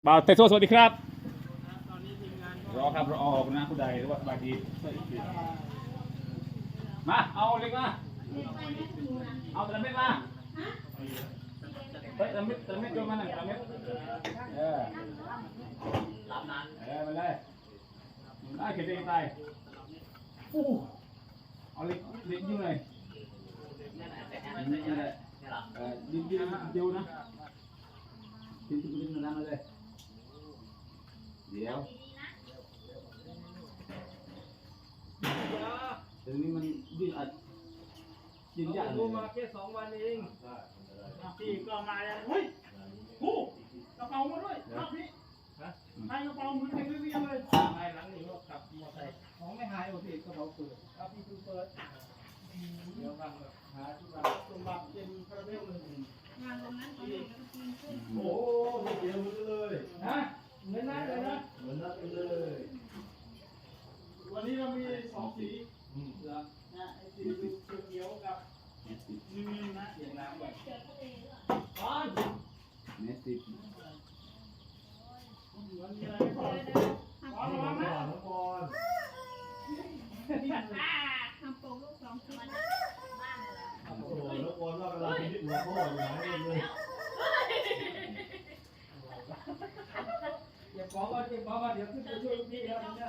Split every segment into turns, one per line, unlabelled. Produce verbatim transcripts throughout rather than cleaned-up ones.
บ่าวเตโซสวัสดีครับรอครับรอออกนะผู้ใดหรือว่าสบายดีมาเอาเล็กมาเอาตะเม็ดมาเฮ้ยตะเม็ดตะเม็ดโยนมาหน่อยตะเม็ดเออเออมาเลยได้เข็ดเองตายอู้เอาเล็กเล็กยุ่งเลยนี่แหละเออดิ้นดิ้นเดียวนะดิ้นดิ้นดิ้นมาเลยเดี๋ยวตรงนี้มันดิ้นอัดดิ้นยากเลยมาแค่สองวันเองพี่ก็มาแล้วเฮ้ยกูกระเป๋ามาด้วยครับพี่ใครกระเป๋ามือไปซื้อยังเลยไปหลังนี้ก็ขับมอเตอร์ไซค์ของไม่หายโอเคกระเป๋าเปิดครับพี่เปิดเดี๋ยวกันหาที่บ้านสมบัติเป็นคาราเมลเลยงานตรงนั้นตอนนี้ก็กินขึ้นโอ้ไม่เกี่ยวมือเลยฮะเหมือนนั่นเลยนะเหมือนนั่นเลยวันนี้เรามีสองสีเหรอนะไอ้สีเขียวกับนี่นะเสียงน้ำแบบอ๋อเนสติวันนี้อะไรก่อนก่อนก่อนนะก่อน
ทำโปรลูกสองชิ้น
โอ้โหแล้วก่อนว่ากำลังคิดหัวข้ออยู่ไหนเลย
อย่าบอกว่าอย่าบอกว่าเดี๋ยวขึ้นไปช่วยพี่แล้วเนี่ย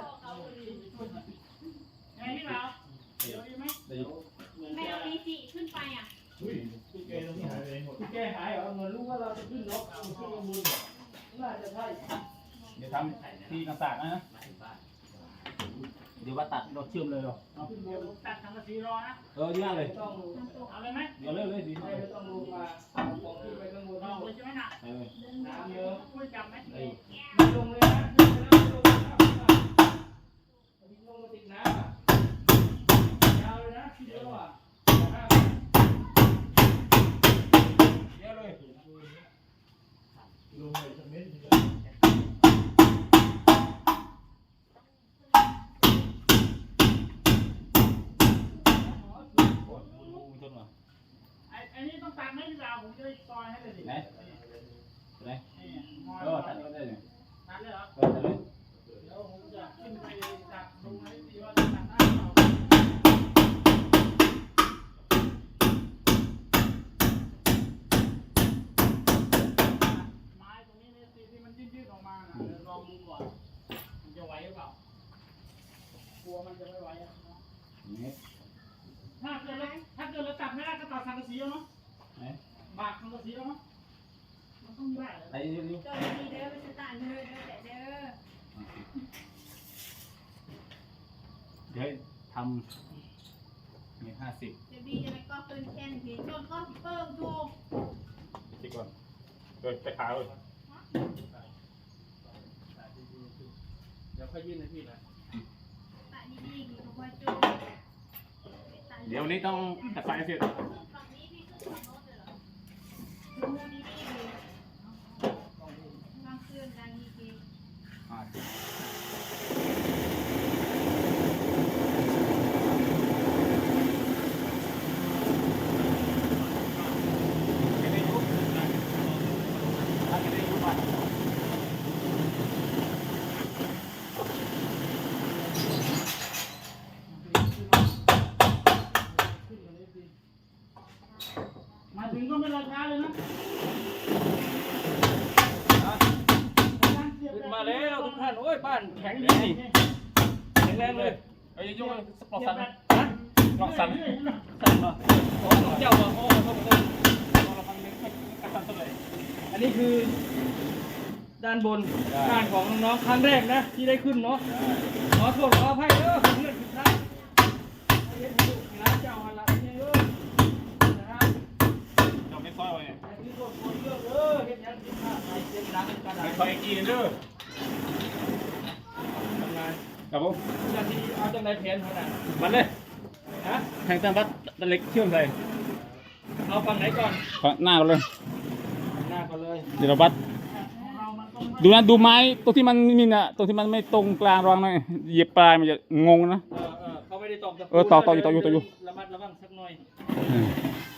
ไงพี่บ่าวเดี๋ยวดีไหม
แมวมีสี่ขึ้นไปอ่ะ
อุ้ยพี่เกย์ตรงนี้หายไปหมด
พี่แกหายเหรอเหมือนรู้ว่าเราจะขึ้นรถขึ้นข้างบนน่าจะใช่เดี๋ยวทำที่กระสานนะเดี๋ยวว่าตัดรถเชื่อมเลยหรอเอาขึ้นบนตัดทางกระสีรอนะเออดีมากเลยต้องเอาเลยไหมเดี๋ยวเลยเลยดีไม่ต้องลงมาเอาของขึ้นไปข้างบนเอาเลยใช่ไหมน่ะเออน้ำเยอะช่วยจับไหมไม่ลงเลยนะไม่ลงเลยนะลงมาติดน้ำอ่ะยาวเลยนะทีเดียวอ่ะเยอะเลย
ลงไปสักเม็ดนึง
อันนี้ต้องตัดไหมพี่บ่าวผมจะได้ซอยให้เลยดิไหนไหนเออตัดก็ได้เลยตัดเลยเหรอเออตัดเลยเดี๋ยวผมจะขึ้นไปตัดดูให้ดีว่าจะตัดได้หรือเปล่าไม้ตรงนี้เนี่ยที่มันยืดๆออกมานะเดี๋ยวลองดูก่อนมันจะไหวหรือเปล่ากลัวมันจะไม่ไหวอ่ะถ้าเกิดเราถ้าเกิดเราตัดไม่ได้ก็ตัดสังกะสีเอาเนาะบากสังกะสีเอาเนาะมันต้องได้เลยไอ้นี่นี่
เจ้าดีเด้อไปสตาร์เด้อเด้อแต่เด้อ
เดี๋ยวทำมีห้าสิบ
เดี๋ยวดีจะไปก็ปืนแค่นผีจนก็เพิ่มถูก
คิดก่อนเดินไปขาเลยเดี๋ยวค่อยยื่นให้พี่นะ
ตาดีๆกี่ตัวจุด
เดี๋ยวนี้ต้องตัดไฟเสร็จ
ฝั่งนี้พี่ขึ้นฝั่งโน้นเลยเหรอดูดีๆเลยบางคืนดังดีเกมาถึงก็ไม่รอช้าเลยนะ
ขึ้นมาแล้วทุกท่านโอ้ยบ้านแข็งดีนี่แข็งแรงเลย
เอ้ยยกสปอร์ตสันนะปลอกสัน
สั่นเหรอโอ้เจ้าว่าโอ้โหอันนี้คือด้านบนด้านของน้องๆครั้งแรกนะที่ได้ขึ้นเนาะขอโทษขออภัยเด้อผมเลื่อนผิดพลาดเฮ็ดให้ลูกหลานเจ้าหันหลังเนี่ยเด้อนะครับ
เราไม่ค่อยเลย
ที่โดนคนเยอะเด้อเฮ็ดยังผิดพลาดไปเสียงดังกัน
ไม่ค่อยกินเด้อ
ทำงาน
ครับผม
จะที่เอาจังไรแผนขนาด
มันเลย
ฮะ
แทงตามบัดตะเล็กเชื่อมใส่
เอาฝั่งไหนก่อน
ฝั่งหน้ากันเลย
หน้าก่อนเลย
เดี๋ยวเราบัดดูนะดูไม้ตรงที่มันมีน่ะตรงที่มันไม่ตรงกลางรองหน่อยเหยียบปลายมันจะงงนะ
เออเออเขาไม่ได้ตอกตะปู
เออตอกตอกอยู่ตอกอยู่ตอกอยู่
ระมัดระวังสักหน่อย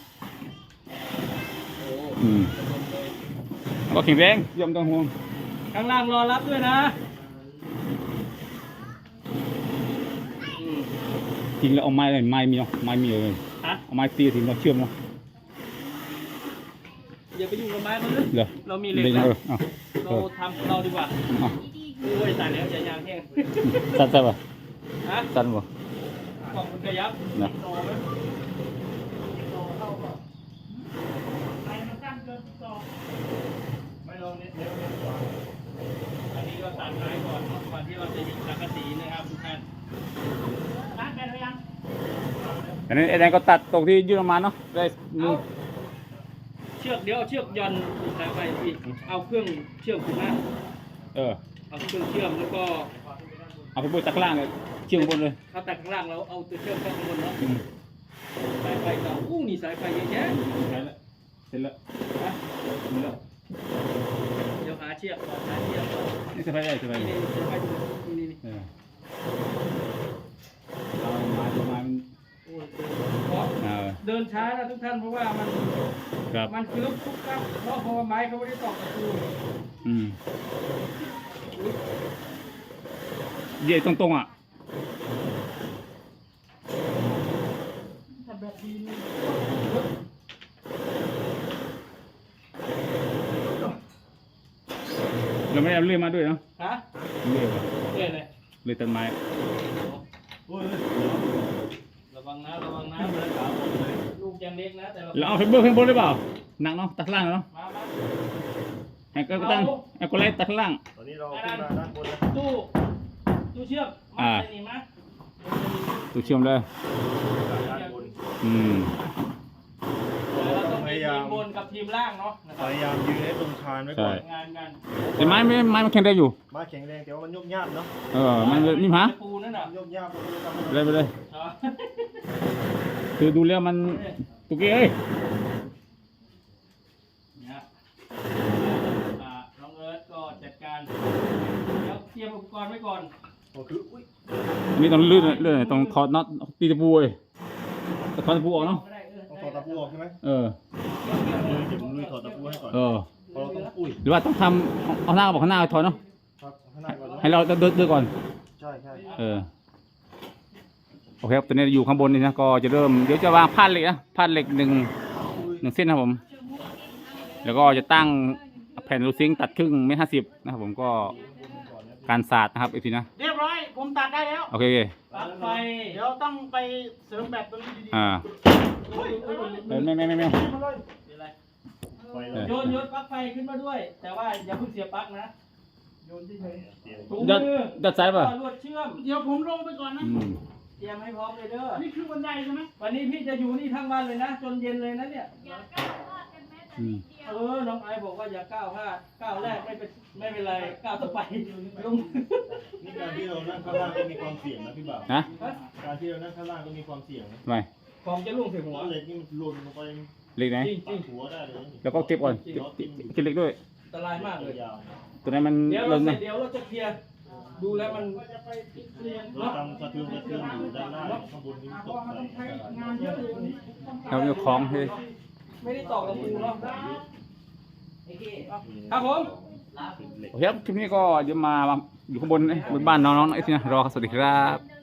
อืมก็แข็งแรงยอมต้องห่วง
ใครข้างล่างรอรับด้วยนะอืม
จริงแล้วเอาไม้เลยไม้มีเนาะไม้มีเลย
ฮะ
เอาไม้ตีถึงเราเชื่อมเนาะ
อย่าไปยุ่งกับไม้มันเลย
เหรอ
เรามีเหล็ก
เลย
นะ
เออเอา
เราทำของเราดีกว่า
เอา
โอ้ยตายแล้วจะยางแห้ง
สั้นสั้นป่ะ
ฮะ
สั้นป่ะ
กล่องมันกระยับ
นะ
โตไหม
ไปมันตั้งเกินต่อ
ไม่ลองเน็ตเน็ตเน็ตกว่า
อันนี้ก็ตัดไม้ก่อนเนาะก่อนที่เราจะยิงสังกะสีนะครับทุกท่าน
ร้านแบนหรือยัง
อันนี้ไอ้แดงก็ตัดตรงที่ยื่นออกมาเนาะได้มือ
เชือกเดี๋ยวเอาเชือกหย่อนสายไฟอีกเอาเครื่องเชื่อมขึ้นมา
เออ
เอาเครื่องเชื่อมแล้วก็
เอาไปบนตะกร้างเลยเชื่อมบนเลย
เขาตัดข้างล่างแล้วเอาตัวเชื่อมเข้าข้างบนเนาะ
อืม
สายไฟต่ออู้นี่สายไฟเยอะแยะ
ใช่แล้วเสร็จแล้ว
นะ
หมดแล้ว
เดี๋ยวหาเชือกก่อนหาเชือกก่อน
นี่สบายได้สบาย
นี่
ได้
นี่สายไฟดูนี่นี่
เออเอาไม้ตัวไม้มัน
โอ้ยเพราะ
เออ
เดินช้านะทุกท่านเพราะว่ามัน
ครับ
มันคือลุกทุกครับเพราะเพราะว่าไม้เขาไม่ได้ตอกตะปู
อืมเย่ตรงๆอ่ะ
ถ้าแบบดีนี่
เราไม่ได้เอาเลื่อยมาด้วยเนาะ
ฮะ
เลื่อยว่ะ
เอ้ยเลย
เลื่อยต้นไม้
โอ้ย
ระวังนะระวังนะลูกยังเล็กนะแต่เรา
เราเอาไฟเบอร์ข้างบนได้เปล่าหนักเนาะตัดข้างล่างเนาะ
มามา
ให้ก็ตั้งให้ก็ไล่ตัดข้างล่าง
ตอนนี้เราขึ้นมาด้านบนแล้ว
ตู้ตู้เชือกมา
อ่า
ใส่นี่มา
ตัวเชื่อมเลย
ด้านบน
อืม
เราต้องมีทีมบนกับทีมล่างเนาะนะค
พ
รับ
ยายามยืนให้ตรงคานไว้ก่อน
งานกัน
แต่ไม้ไม่ไม้มันแข็งได้อยู่
มาแข็งแรงแต่ว่ามันยุบยากเนาะ
เออมันเลยนี่ฮะ
ปูนั่นน่ะ
ยุบยากผมก็เลยทำให้
เลยไปเลย
อ๋อ
คือดูแล้วมันตุกเอ้ย
เนี่ยอ่าน้องเอิร์ธก็จัดการเดี๋ยวเตรียมอุปกรณ์ไว้ก่อน
ก็คืออุ้ย
นี่ต้องลื่นลื่นต้องถอดน็อตตีตะปูเลยถอดตะปูออกเนาะ
ก็ได้เออ
ต้องถอดตะปูออกใช่ไหม
เออ
เดี๋ยวผมลุยถอดตะปูให้ก่อน
เออ
เพราะเราต้องอุ้ย
หรือว่าต้องทำเอาหน้าบอกข้างหน้าถอดเนาะ
ครับข้างหน้าก่อนเนอะ
ให้เราเดินเดินก่อน
ใช่ใช่
เออ โอเคครับตอนนี้อยู่ข้างบนนี่นะ ก็จะเริ่ม เดี๋ยวจะวางพาดเหล็กนะพาดเหล็กหนึ่งหนึ่งเส้นนะครับผม แล้วก็จะตั้งแผ่นรูซิงค์ตัดครึ่งเมตรห้าสิบนะครับผมก็การศาสตร์นะครับอีกทีนะ
เรียบร้อย ผมตัดได้แล้ว
โอเคโอเค
ปลั๊กไฟ
เดี๋ยวต้องไปเสริมแบตตรงนี้ดี
อ่า
ๆเฮ้ยเฮ้ยเฮ้ย
เออไม่ไม่ไม่ไม่
ขึ้นมาเลย
เป็นไร
ไปเล
เออ
ย
โยนโยนปลั๊กไฟขึ้นมาด้วย แต่ว่าอย่าเพิ่งเสียปลั๊กนะ
โยนที่เฉย
เตรียม
ถุง
ดัด
มือ
ดัดสายป่ะ
ลวดเชื่อม
เดี๋ยวผมลงไปก่อนนะ
อืม
เตรียมให้พร้อมเลยเด้อ
นี่คือบันไดใช่ไหม
วันนี้พี่จะอยู่นี่ทั้งวันเลยนะ จนเย็นเลยนะเนี่ย
อย่าก้าวพลาดกันแม้แต่
อื
นิ
ม
ดเดียว
เออ น้องไอซ์บอกว่าอย่าก้าวพลาดก้าวแรกไม่เป็นไม่เป็นไร ก้าวต่อไปลง
นี่การที่เรานั่งข้างล่างก็มีความเสี่ยงนะพี่บ่าว
นะ
การที่เรานั่งข้างล่างก็มีความเสี่ยงนะ
ทำไม
ของจะล่วงใส่หัว
เพราะเหล็กนี่มันหล่นลงไป
เหล็กไหน
จริงจ
ปั
ริ
ก
ง
หัวได้เลยนะ
แล้วก็เก็บก่อนเก็บเก็บเก็บเหล็กด้วย
อันตรายมากเลย
ยาว
ตัวนั้นมัน
เดี๋ยว
ห
เรา
ล่น
เสร็
นะ
จเดี๋ยวเราจะเคลียร์ดูแล้วมัน
ๆรถตามกระเทือนกระเทือนอยู่ด้านล่างข้างบนนี้
เพ
ต
ราะ
ก
ว่ามัน
ใส่
ต้องใช้งานเยอะเลยวันนี้
เอาเจ้าของเฮ้ย
ไม่ได้ตอกตะปูเนาะครับผม
เหล็ก
โอเคครับคลิปนี้ก็เดี๋ยวมาอยู่ข้างบนเอ้ยบนบ้านน้องๆไอ้ที่นะรอครับสวัสดีครับ